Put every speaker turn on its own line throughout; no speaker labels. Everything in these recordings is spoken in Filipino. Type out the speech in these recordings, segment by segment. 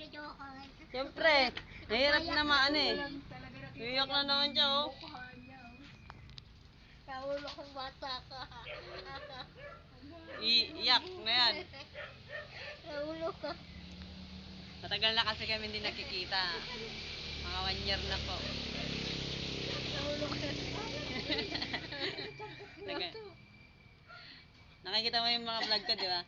Siyempre, nahirap na maano eh. Iyak na naman siya oh.
Naulo kong bata ka.
Iyak na yan.
Naulo ka.
Matagal na kasi kami hindi nakikita. Mga 1 year na po.
Naulo ka.
Tagal. Nakikita mo yung mga vlog ko, di ba?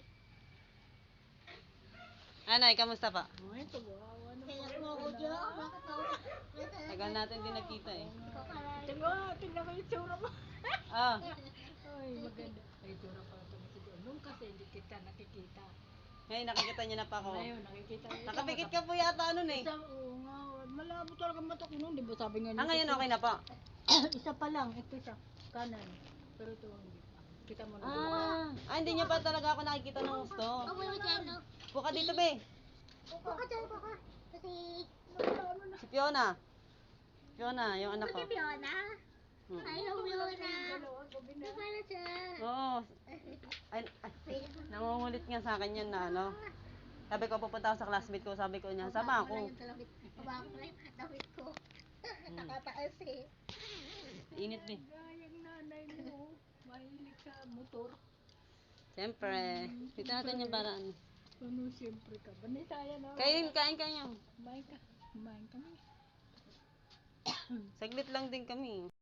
Anay, kamusta pa?
Kaya mo ako dyan. Bakit ako?
Tagal natin din nagkita eh.
Tingnan ko yung tsura mo.
Ah,
Ay, maganda. Ay, tsura pala pala siguro. Nung kasi hindi kita nakikita.
ngayon nakikita niyo na pa ako.
Ngayon, nakikita ko.
Nakapikit ka po yata ano eh.
Isa, oo nga. Malabo talaga mata ko noon. Di ba sabi nga
Ah, ngayon okay na po.
Isa pa lang. Ito siya. Kanan. Pero ito hindi pa. Kita mo na.
Hindi niyo pa talaga ako nakikita ng gusto.
Ako yung dyan, no?
Buka dito be.
Baka dyan, baka. Kasi,
Si Fiona. Fiona, yung anak ko.
si Fiona.
Hmm.
Hello, Fiona. Di ba na siya?
Oo. Ay, nangungulit nga sa akin yan na ano. Sabi ko pupunta ako sa classmate ko, sabi ko niya, sama ako.
Baba ko lang yung damit ko. Nakataas eh.
Init din.
Gayang nanay mo. Mahilig sa motor.
Siyempre, dito natin yung paraan.
Ano, siyempre ka. Banisaya na.
Kain kayo.
Kumain ka. Kumain kami.
Saglit lang din kami.